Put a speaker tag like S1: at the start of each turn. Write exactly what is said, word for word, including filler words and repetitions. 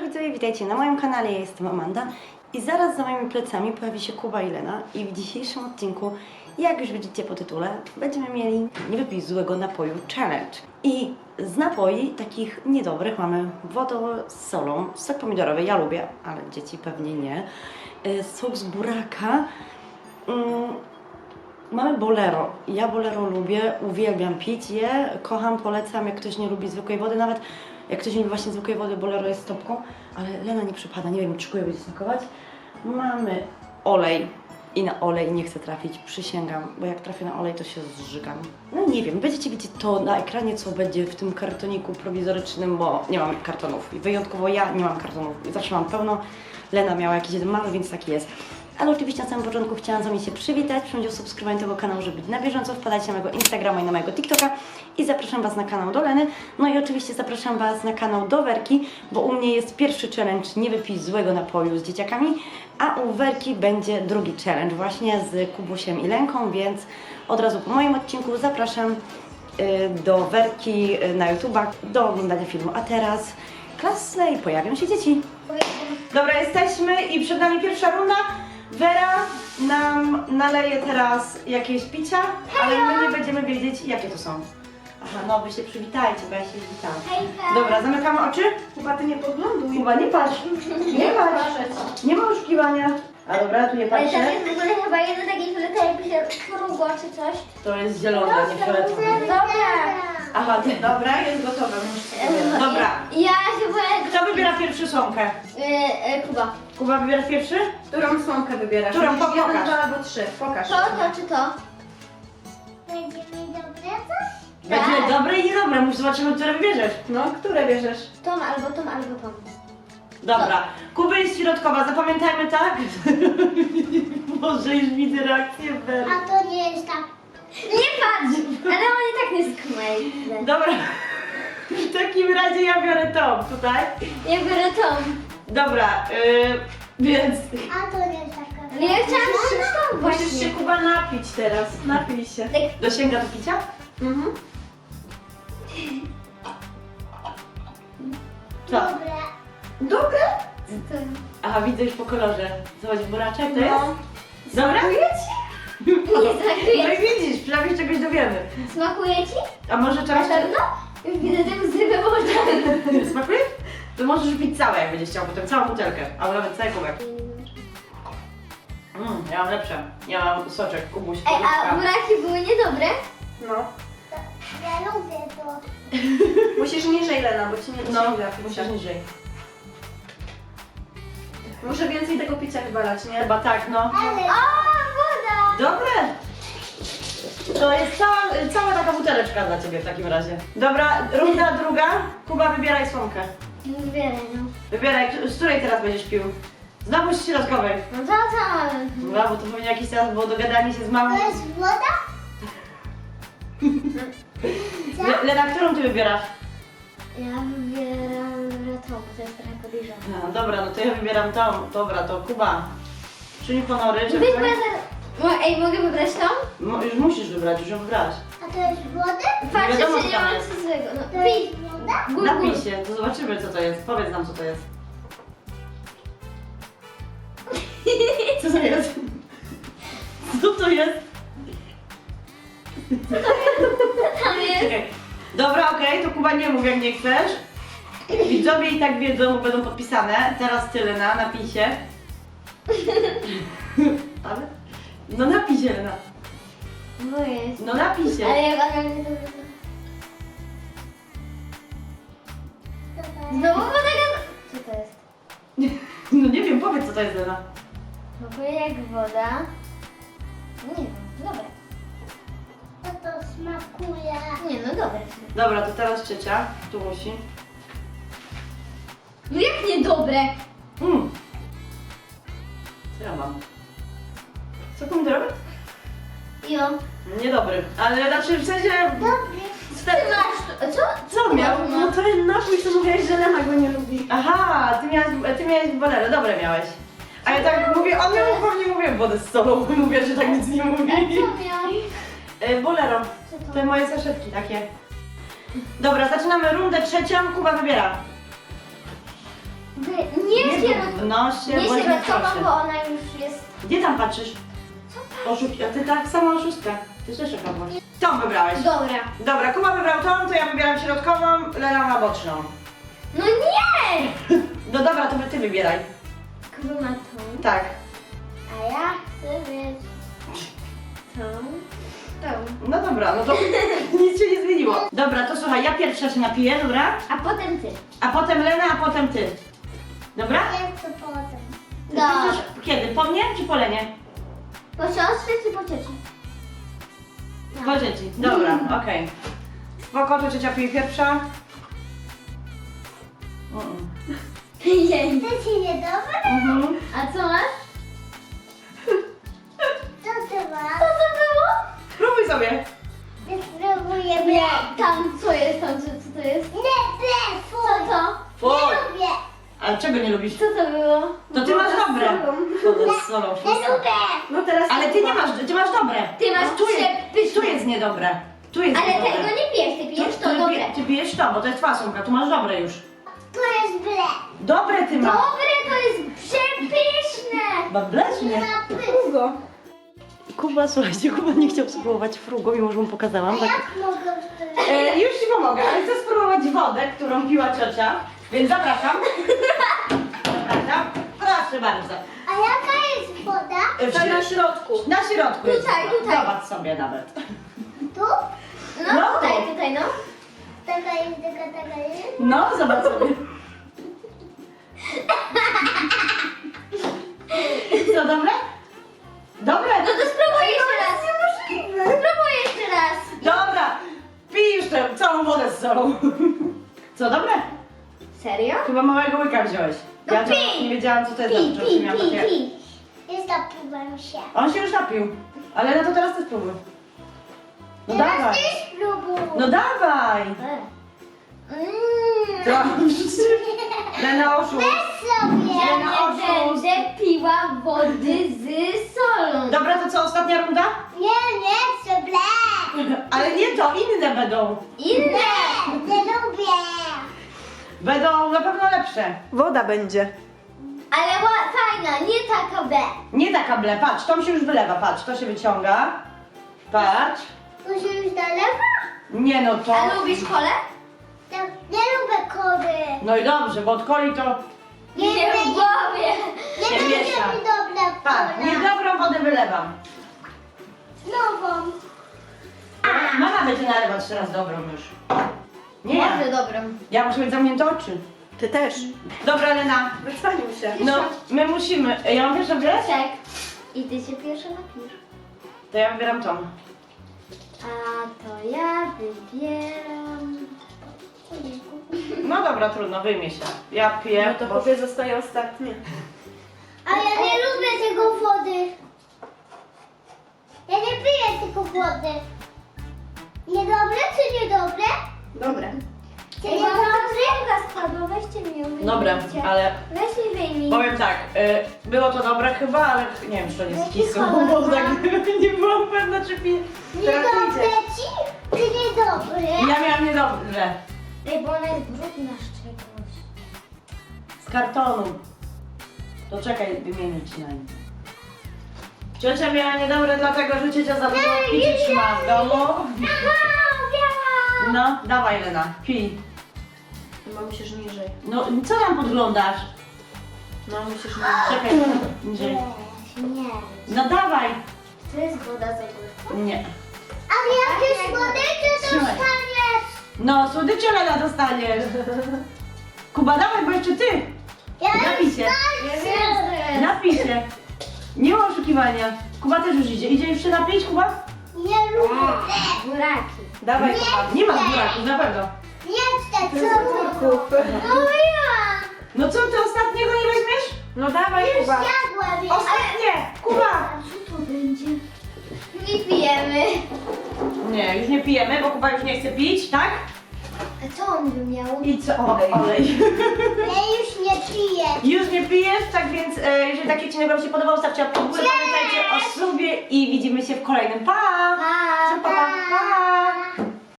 S1: widzowie, witajcie na moim kanale, ja jestem Amanda i zaraz za moimi plecami pojawi się Kuba i Lena i w dzisiejszym odcinku, jak już widzicie po tytule, będziemy mieli nie wypij złego napoju challenge. I z napoi takich niedobrych mamy wodę z solą, sok pomidorowy, ja lubię, ale dzieci pewnie nie, sok z buraka, mm, mamy bolero. Ja bolero lubię, uwielbiam pić je, kocham, polecam, jak ktoś nie lubi zwykłej wody, nawet jak ktoś nie lubi właśnie zwykłej wody, bolero jest topką, ale Lena nie przypada, nie wiem, czy kuję będzie smakować. Mamy olej i na olej nie chcę trafić, przysięgam, bo jak trafię na olej, to się zżygam. No nie wiem, będziecie widzieć to na ekranie, co będzie w tym kartoniku prowizorycznym, bo nie mam kartonów. I wyjątkowo ja nie mam kartonów, zawsze mam pełno. Lena miała jakiś jeden mały, więc taki jest. Ale oczywiście na samym początku chciałam z Wami się przywitać, przyjąć o subskrybowanie tego kanału, żeby być na bieżąco, wpadajcie na mojego Instagrama i na mojego TikToka i zapraszam Was na kanał do Leny, no i oczywiście zapraszam Was na kanał do Werki, bo u mnie jest pierwszy challenge nie wypij złego napoju z dzieciakami, a u Werki będzie drugi challenge właśnie z Kubusiem i Lenką, więc od razu po moim odcinku zapraszam y, do Werki y, na YouTube'a, do oglądania filmu, a teraz klasne i pojawią się dzieci. Dobra, jesteśmy i przed nami pierwsza runda. Wera nam naleje teraz jakieś picia, ale my nie będziemy wiedzieć, jakie to są. Aha, no wy się przywitajcie, bo ja się witam. Dobra, zamykamy oczy. Kuba, ty nie podgląduj. Kuba, nie patrz. Nie patrz. Nie ma oszukiwania. A dobra, tu nie
S2: Ale
S1: patrzę.
S2: tam jest w ogóle chyba jedno takie fioletowe, jakby się krugo czy coś.
S1: To jest zielone, nie fioletowe.
S2: Dobra.
S1: Aha, ty, dobra, jest gotowe. Dobra.
S2: Ja się boję...
S1: Kto wybiera pierwszy słomkę?
S2: Yy, yy, Kuba.
S1: Kuba, wybierasz pierwszy?
S3: Którą słomkę wybierasz?
S1: Którą?
S3: Musisz
S1: Pokaż.
S3: jeden, dwa albo trzy. Pokaż.
S2: To, to czy to?
S4: Będzie mi dobre coś?
S1: Będzie
S2: Tak.
S1: dobre i niedobre, muszę zobaczymy, które wybierzesz.
S3: No, które bierzesz?
S2: Tom albo Tom albo Tom.
S1: Dobra, Kuba jest środkowa, zapamiętajmy tak? Może już widzę reakcję Wery.
S4: A to nie jest tak.
S2: Nie patrz! Ale on i tak nie skumaj.
S1: Dobra, w takim razie ja biorę tą tutaj.
S2: Ja biorę Tom.
S1: Dobra, yy, więc
S4: A to nie jest taka.
S2: Ale ja chciałam trzy Tom
S3: Musisz
S2: właśnie.
S3: się Kuba napić teraz. Napij się.
S2: Tak.
S1: dosięga do picia?
S3: Mhm.
S1: Co?
S4: Dobre.
S3: Dobre?
S2: To...
S1: Aha, widzę już po kolorze. Zobacz, buraczek to
S3: No.
S1: jest? Dobra?
S3: Smakuje ci?
S2: Nie
S1: No
S2: smakuje
S1: i widzisz, przynajmniej czegoś dowiemy.
S2: Smakuje ci?
S1: A może
S2: Na
S1: czegoś...
S2: pewno? Już widzę te łzy we oczach.
S1: Smakuje? To możesz pić całe, jak będziesz chciał, potem całą butelkę, albo nawet cały kubek. Mm, ja mam lepsze. Ja mam soczek, Kubuś,
S2: Ej, a
S1: kubeczka.
S2: buraki były niedobre?
S3: No.
S4: Ja lubię to.
S3: Musisz niżej, Lena, bo ci nie
S1: No,
S3: dosięga
S1: musisz
S3: picia.
S1: niżej.
S3: Muszę więcej tego picia wywalać, nie?
S1: Chyba tak, no.
S4: Ale
S2: O, woda!
S1: Dobre! To jest cała, cała taka buteleczka dla Ciebie w takim razie. Dobra, runda druga. Kuba, wybieraj słomkę.
S2: Wybieraj, no.
S1: Wybieraj, z której teraz będziesz pił? Znowu z środkowej.
S2: No to co?
S1: No, bo to pewnie jakiś czas było dogadanie się z mamą.
S4: to jest woda?
S1: Le, Lena, którą Ty wybierasz?
S2: Ja wybieram to, bo to jest trochę podejrzane.
S1: No dobra, no to ja wybieram tą. Dobra, to Kuba. Czyń honory, żeby...
S2: Weź moja za... Mo- Ej, mogę wybrać tą?
S1: Mo, już musisz wybrać, już ją wybrać.
S4: A to jest woda?
S2: Patrzcie,
S1: wiadomo,
S2: czy
S1: co
S2: nie
S1: tam
S2: mam
S1: jest.
S2: nic złego. No,
S4: To
S2: pij.
S4: jest woda?
S2: Gul, gul.
S1: Napij się, to zobaczymy co to jest. Powiedz nam co to jest. Co to jest? Co to jest?
S2: Tam jest.
S1: Czekaj. Dobra, okej, to Kuba nie mów jak nie chcesz. Widzowie i tak wiedzą, bo będą podpisane. Teraz ty, Lena, napij się. Ale? No napij się, Lena.
S2: No jest.
S1: No napij się.
S2: Ale jak ona mnie to... Znowu woda gaz... Co to jest?
S1: No nie wiem, powiedz co to jest, Lena.
S2: Smakuje jak woda. Nie wiem, dobre.
S4: To to smakuje.
S2: Nie no, dobre.
S1: Dobra, to teraz ciocia. Tu musi.
S2: No jak nie dobre?
S1: Mm. Co ja mam? Co pomidorowy?
S2: Jo.
S1: Niedobry, ale znaczy w sensie...
S4: Dobry.
S2: Ty masz... Co?
S1: Co miał?
S3: No to jest napój, co mówiłaś, że Lena go nie lubi.
S1: Aha, ty miałeś, ty miałeś bolero, dobre miałeś. A ja tak mówię, on miał pewnie mówię wodę z solą, bo mówię, że tak nic nie mówi.
S2: Co miał?
S1: E, bolero,
S2: Co to?
S1: te moje saszetki takie. Dobra, zaczynamy rundę trzecią, Kuba wybiera.
S2: Wy- Nie sierot...
S1: No się,
S2: Nie
S1: bądź
S2: sierotkowa,
S1: proszę.
S2: bo ona już jest...
S1: Gdzie tam patrzysz? Oszuk... A ty tak sama oszustka. Ty też okradłaś. Tą wybrałeś.
S2: Dobra.
S1: Dobra, Kuba wybrał tą, to ja wybieram środkową, Lena ma boczną.
S2: No nie!
S1: No dobra, to ty wybieraj.
S2: Kuba ma tą,
S1: Tak.
S2: a ja chcę mieć tą, tą.
S1: No dobra, no to nic się nie zmieniło. Dobra, to słuchaj, ja pierwsza się napiję, dobra?
S2: A potem ty.
S1: A potem Lena, a potem ty. Dobra?
S4: Ja chcę potem.
S1: Ty
S2: Dobra.
S1: chcesz kiedy? Po mnie czy po Lenie?
S2: Po siostrze czy po cioci?
S1: Po dzieci. Dobra, okej. Spoko, to ciocia pije pierwsza. Mm.
S2: Jej.
S4: To ci niedobre?
S1: Mhm.
S2: A co masz?
S4: Co ty masz?
S2: Co to było?
S1: Spróbuj sobie.
S4: My spróbujemy.
S2: Nie, tam co jest tam, co, co to jest?
S4: Nie, nie,
S2: Co
S4: fuj.
S2: to?
S1: Fuj.
S4: Nie lubię.
S1: A czego nie lubisz?
S2: Co to było?
S1: To ty masz dobre. Woda z solą.
S4: Nie lubię.
S3: No teraz
S1: Ale ty nie masz, ty masz dobre.
S2: Ty masz
S1: tu jest,
S2: przepyszne.
S1: tu jest niedobre. Tu jest
S2: Ale
S1: niedobre.
S2: tego nie pijesz, ty pijesz
S1: Tu-
S2: to,
S1: ty,
S2: dobre.
S1: pije- Ty pijesz to, bo to jest fasunka, tu masz dobre już.
S4: To jest ble.
S1: Dobre ty masz.
S2: Dobre, to jest przepyszne.
S1: Dobre czy
S4: Nie
S1: nie?
S4: ma pysk.
S3: długo.
S1: Kuba, słuchajcie, Kuba nie chciał spróbować frugo, mimo że mu pokazałam. Tak.
S4: Jak mogę wtedy?
S1: E, już ci pomogę, ale chcę spróbować wodę, którą piła ciocia, więc zapraszam. Zapraszam. Proszę bardzo.
S4: A jaka jest woda?
S1: E, w
S3: Ta na
S1: środ-
S3: środku.
S1: Na środku jest
S2: Tutaj,
S1: woda.
S2: tutaj.
S1: Zobacz sobie nawet.
S4: Tu?
S2: No,
S1: No.
S2: tutaj, tutaj, no.
S4: Taka jest, taka, taka jest.
S1: No, zobacz sobie. Co, dobre? Dobre?
S2: No to spróbuj jeszcze raz. Spróbuj jeszcze raz.
S1: Dobra, pij już tę całą wodę z solą. Co, dobre?
S2: Serio?
S1: Chyba małego łyka wziąłeś.
S2: No
S1: Ja to
S2: pij.
S1: nie wiedziałam, co to jest.
S2: Pij,
S1: za
S2: pij,
S1: miałam
S2: pij,
S1: takie-
S2: pij.
S4: Jest napiłem się.
S1: On się już napił. Ale no to teraz ty spróbuj. No
S4: Teraz
S1: dawaj.
S4: ty spróbuj.
S1: No dawaj.
S2: Mm.
S1: Co? Lena oszust.
S4: Weź sobie.
S2: Ja
S1: na
S2: nie
S1: oszust.
S2: będę piła wody z solą.
S1: Dobra, to co, ostatnia runda?
S4: Nie, nie chcę ble.
S1: Ale nie to, inne będą.
S2: Inne.
S4: Nie, nie lubię.
S1: Będą na pewno lepsze.
S3: Woda będzie.
S2: Ale ła- fajna, nie taka B.
S1: Nie taka ble, patrz, to się już wylewa, patrz, to się wyciąga. Patrz.
S4: Tu się już nalewa?
S1: Nie no to...
S2: A lubisz kolę?
S4: Ja nie lubię kody.
S1: No i dobrze, bo od coli to...
S4: Nie,
S2: Nie
S4: nie,
S2: w
S4: nie.
S2: głowie.
S4: Nie
S1: Się
S4: będzie
S1: miesza.
S4: mi dobra
S1: Patrz,
S4: kola.
S1: niedobrą wodę wylewam.
S4: Nową.
S1: Mama będzie nalewać teraz dobrą już. Nie, ja.
S2: Może dobrą.
S1: Ja muszę mieć zamknięte oczy.
S3: Ty też.
S1: Dobra, Lena.
S3: Wycwanił się.
S1: No, my musimy... Ja mam pierwszą wybierać?
S2: Tak. I ty się pierwsza napijesz.
S1: To ja wybieram tą.
S2: A to ja wybieram...
S1: No dobra, trudno, wyjmie się. Ja piję,
S3: No to
S1: bo...
S3: Kubie zostaje ostatnie.
S4: A ja nie lubię tego wody. Ja nie piję tylko wody. Niedobre czy niedobre?
S3: Dobre.
S4: Czy
S2: Ej,
S4: niedobre?
S2: mama spadła, weźcie mi ją,
S1: Dobre,
S2: wyjmijcie.
S1: ale
S2: Weź mi wyjmij.
S1: powiem tak, y, było to dobre chyba, ale nie wiem, czy to nie jest
S2: Jaki
S1: kisło,
S2: kolor
S1: bo
S2: ma?
S1: tak nie byłam pewna, czy piję.
S4: Niedobre ci? Czy niedobre?
S1: Ja miałam niedobre.
S2: Ej, bo ona jest brudna z czegoś.
S1: Z kartonu. To czekaj, wymienię ci na nie. Ciocia miała niedobre dlatego, że ciocia za dużo picia trzyma w domu.
S4: Aha, biała.
S1: No, dawaj Lena, pij.
S3: Chyba musisz niżej.
S1: No, co tam podglądasz?
S3: No musisz niżej.
S1: Czekaj, niżej.
S2: Nie.
S1: No dawaj.
S2: To jest woda z ogórka.
S1: Nie.
S4: A jakie słodycze
S1: Trzymaj.
S4: dostaniesz?
S1: No, słodycze Lena dostaniesz. Kuba, dawaj, bo jeszcze ty.
S4: Ja
S1: Napij się.
S2: Ja wiem, co jest.
S1: Napij się. Nie ma oszukiwania. Kuba też już idzie. Idzie już się napić, Kuba?
S4: nie lubię.
S2: Buraki.
S1: Dawaj,
S4: Nie
S1: Kuba. Nie ma
S4: chcę.
S1: buraków, na pewno.
S4: Nie chcę,
S3: To
S4: co
S3: jest
S4: to?
S3: ogórków.
S4: Mówiłam.
S1: No co, ty ostatniego nie weźmiesz?
S3: No dawaj
S4: Już
S3: Kuba.
S4: jadłam. już.
S1: Ostatnie! Kuba!
S2: A co to będzie? Nie pijemy.
S1: Nie, już nie pijemy, bo Kuba już nie chce pić, tak?
S2: A co on by miał?
S1: I co? Olej. Olej.
S4: Ja już nie piję.
S1: Już nie pijesz, tak więc e, jeżeli taki odcinek Wam się podobał, stawcie łapkę w górę, pamiętajcie o subie i widzimy się w kolejnym. Pa!
S2: Pa!
S1: Pa, pa, pa!